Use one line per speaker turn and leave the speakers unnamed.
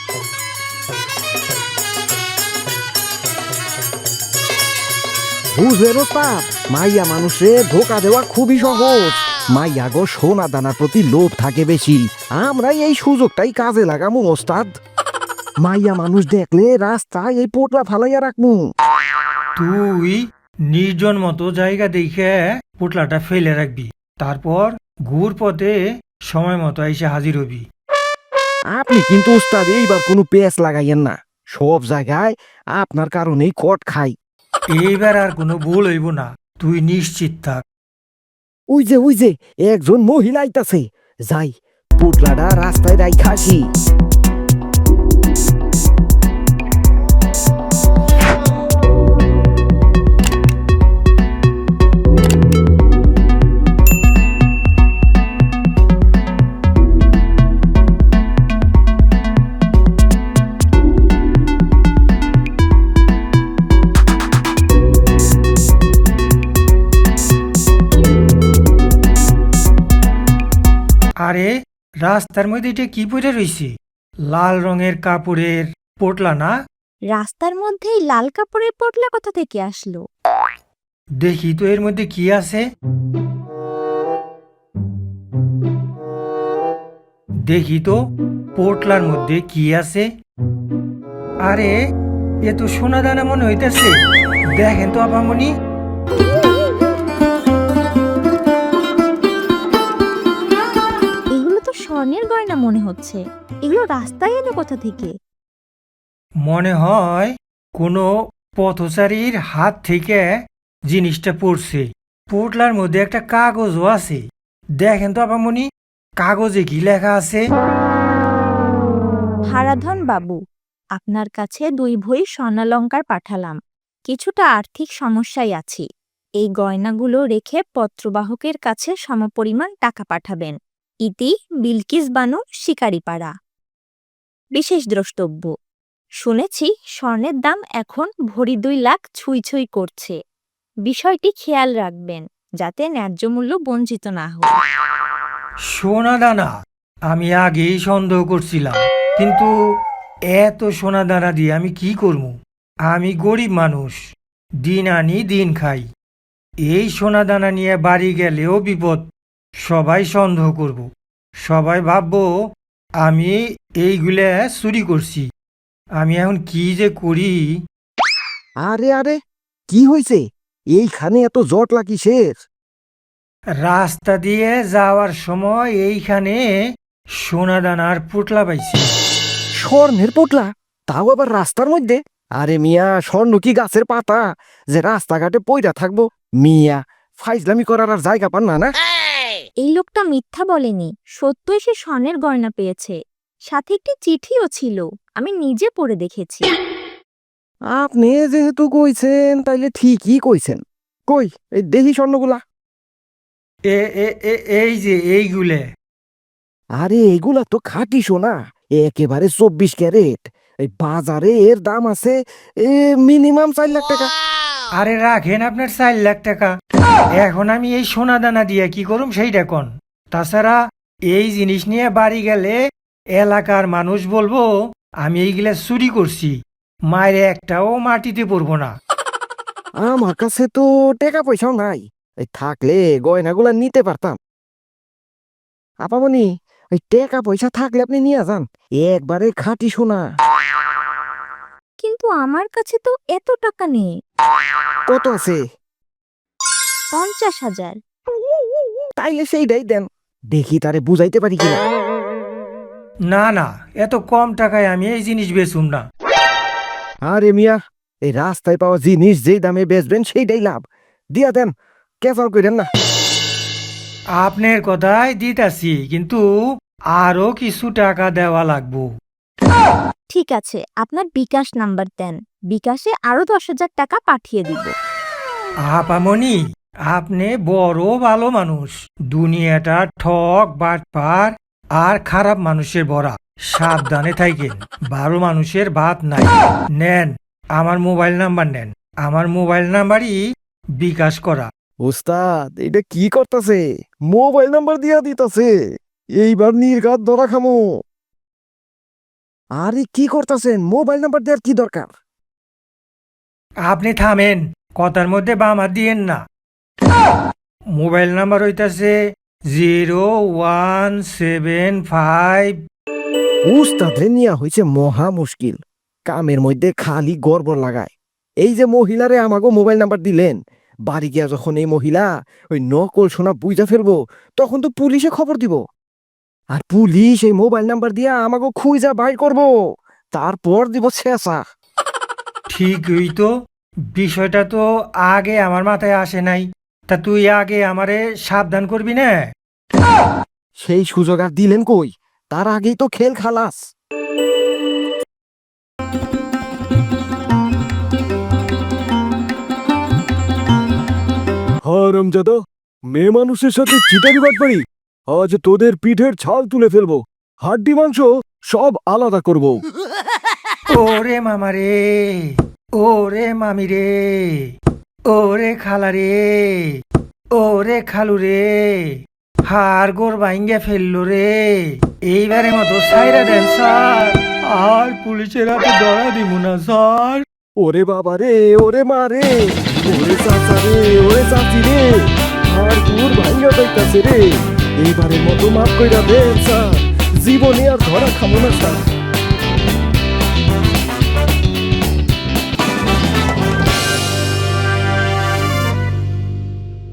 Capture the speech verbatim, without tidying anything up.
বুঝলেন ওস্তাদ, মাইয়া মানুষে ধোকা দেওয়া খুবই সহজ। মাইয়া গো সোনা দানার প্রতি লোভ থাকে বেশি, আমরা এই সুযোগটাই কাজে লাগামু ওস্তাদ। মাইয়া মানুষ দেখলে রাস্তায় এই পোটলা ফালাইয়া রাখমু।
তুই নির্জন মতো জায়গা দেখে পোটলাটা ফেলে রাখবি, তারপর ঘুর পথে সময় মতো এসে হাজির হবি।
আপনি কিন্তু ওস্তাদ এইবার কোনো পেঁচ লাগাইয়েন না, সব জায়গায় আপনার কারণেই কট খাই।
এইবার আর কোনো ভুল হইব না, তুই নিশ্চিত থাক।
ওই যে ওই যে একজন মহিলা আইতাছে, যাই পোটলাটা রাস্তায় রাইখা আসি।
আরে রাস্তার মধ্যে এটা কি পরে রইছে? লাল রঙের কাপড়ের পোটলা না?
রাস্তার মধ্যেই লাল কাপড়ের পোটলা কোথা থেকে আসলো?
দেখি তো এর মধ্যে কি আছে। দেখি তো পোটলার মধ্যে কি আছে। আরে এ তো সোনা দানা মনে হইতেছে, দেখেন তো আপামনি।
এগুলো তো স্বর্ণের গয়না মনে হচ্ছে, এগুলো রাস্তায় এলো কোথা থেকে?
মনে হয় কোনো পথচারীর হাত থেকে জিনিসটা পড়ছে। পোটলার মধ্যে একটা কাগজও আছে, দেখেন তো আপামনি কাগজে কি লেখা আছে।
হারাধন বাবু, আপনার কাছে দুই ভই স্বর্ণালঙ্কার পাঠালাম। কিছুটা আর্থিক সমস্যায় আছি, এই গয়নাগুলো রেখে পত্রবাহকের কাছে সমপরিমাণ টাকা পাঠাবেন। ইতি বিলকিস বানু, শিকারিপাড়া। বিশেষ দ্রষ্টব্য, শুনেছি স্বর্ণের দাম এখন ভরি দুই লাখ ছুঁই ছুঁই করছে। বিষয়টি খেয়াল রাখবেন যাতে ন্যায্য মূল্য বঞ্চিত না হয়।
সোনা দানা আমি আগেই সন্দেহ করছিলাম, কিন্তু এত সোনা দানা দিয়ে আমি কি করব? আমি গরিব মানুষ, দিন আনি দিন খাই। এই সোনা দানা নিয়ে বাড়ি গেলেও বিপদ, সবাই সন্দেহ করব, সবাই ভাববো আমি এইগুলা চুরি করছি। আমি এখন কি যে করি।
আরে আরে কি হয়েছে? এইখানে এত জটলা কিসের?
রাস্তা দিয়ে যাওয়ার সময় এইখানে সোনা দানার পুটলা পাইছি।
স্বর্ণের পোটলা, তাও আবার রাস্তার মধ্যে? আরে মিয়া, স্বর্ণ কি গাছের পাতা যে রাস্তাঘাটে পইরা থাকবো? মিয়া ফাইজলামি করার আর জায়গা পান না না?
এই লোকটা মিথ্যা বলেনি, সত্যই সে স্বর্ণের গয়না পেয়েছে। সাথে একটি চিঠিও ছিল, আমি নিজে পড়ে দেখেছি।
আপনি যেহেতু কইছেন তাইলে ঠিকই কইছেন। কই এই দেখি স্বর্ণগুলা।
এ এ এ এই যে এইগুলে।
আরে এগুলা তো খাঁটি সোনা, একেবারে চব্বিশ ক্যারেট। এই বাজারে এর দাম আছে এ মিনিমাম চার লাখ টাকা।
আরে রাখেন আপনার চার লাখ টাকা, এখন আমি এই সোনা দানা দিয়ে কি করুম সেইটা কোন। তাছাড়া এই জিনিস নিয়ে বাড়ি গেলে এলাকার মানুষ বলবো আমি এইগুলা চুরি করছি, মায়ের একটাও মাটিতে পড়বো না।
আমার কাছে তো টাকা পয়সাও নাই, এই থাকলে গয়নাগুলা নিতে পারতাম। আপামনি ওই টাকা পয়সা থাকলে আপনি নিয়ে যান, একবারে খাঁটি সোনা।
কিন্তু আমার কাছে তো এত টাকা নেই।
কত আছে?
পঞ্চাশ হাজার।
তাইলে সেইটাই দেন, দেখি তারে বুঝাইতে পারি কিনা।
না না, এত কম টাকায় আমি এই জিনিস বেচুম না।
আরে মিয়া, এই রাস্তায় পাওয়া জিনিস যেই দামে বেচবেন সেইটাই লাভ, দিয়া দেন, কেফাল করেন না।
আপনার কথাই দিতাছি, কিন্তু আরো কিছু টাকা দেওয়া লাগবো।
ঠিক আছে, আপনার বিকাশ নাম্বার দেন, বিকাশে আরো দশ হাজার টাকা পাঠিয়ে দিব।
আপামনি আপনি বড় ভালো মানুষ, দুনিয়াটা ঠক বাটপার আর খারাপ মানুষের ভরা, সাবধানে থাকেন, ভালো মানুষের ভাত নাই। নেন আমার মোবাইল নাম্বার, নেন আমার মোবাইল নাম্বারই বিকাশ করা।
ওস্তাদ এটা কি করতেছে? মোবাইল নাম্বার দিয়া দিতেছে, এইবার নির্ঘাত ধরা খামো। আরে কি করতেছেন? মোবাইল নাম্বার দেওয়ার কি দরকার?
আপনি থামেন, কথার মধ্যে বাম হাত দিয়েন না। মোবাইল নাম্বার হইতাছে জিরো ওয়ান সেভেন ফাইভ।
উস্তাদে নিয়া হইছে মহা মুশকিল। কামের মধ্যে খালি গড়বড় লাগায়। এই যে মহিলারে আমাগো মোবাইল নাম্বার দিলেন, বাড়ি গিয়া যখন এই মহিলা ওই নকল সোনা বুঝা ফেলবো, তখন তো পুলিশে খবর দিব। আর পুলিশ এই মোবাইল নাম্বার দিয়া আমাগো খুঁজা বাইর করব, তারপর দিব শেষা।
ঠিকই তো, বিষয়টা তো আগে আমার মাথায় আসে নাই। তা তুই আগে আমারে সাবধান করবি না?
সেই সুযোগ আর দিলেন কই? তার আগেই তো খেল খালাস। হারামজাদা, মেয়ে মানুষের সাথে চিটারি বাটপারি। আজ তোদের পিঠের ছাল তুলে ফেলবো, হাড্ডি মাংস সব আলাদা করব।
ওরে মামা রে, ওরে মামি রে, ওরে খালা রে, ওরে খালু রে, হাড় গোড় ভাঙ্গে ফেললো রে। এইবারে মতো সাইরা দেন স্যার, আর পুলিশের হাতে ধরা দিব না স্যার।
ওরে বাবা রে, ওরে মা রে, ওরে চাচা রে, ওরে চাচি রে, আর দূর ভাঙ্গা যাইতাছে রে। এইবারের মতো মাফ কইরা দেন স্যার, জীবনে আর ধরা খাবো না স্যার।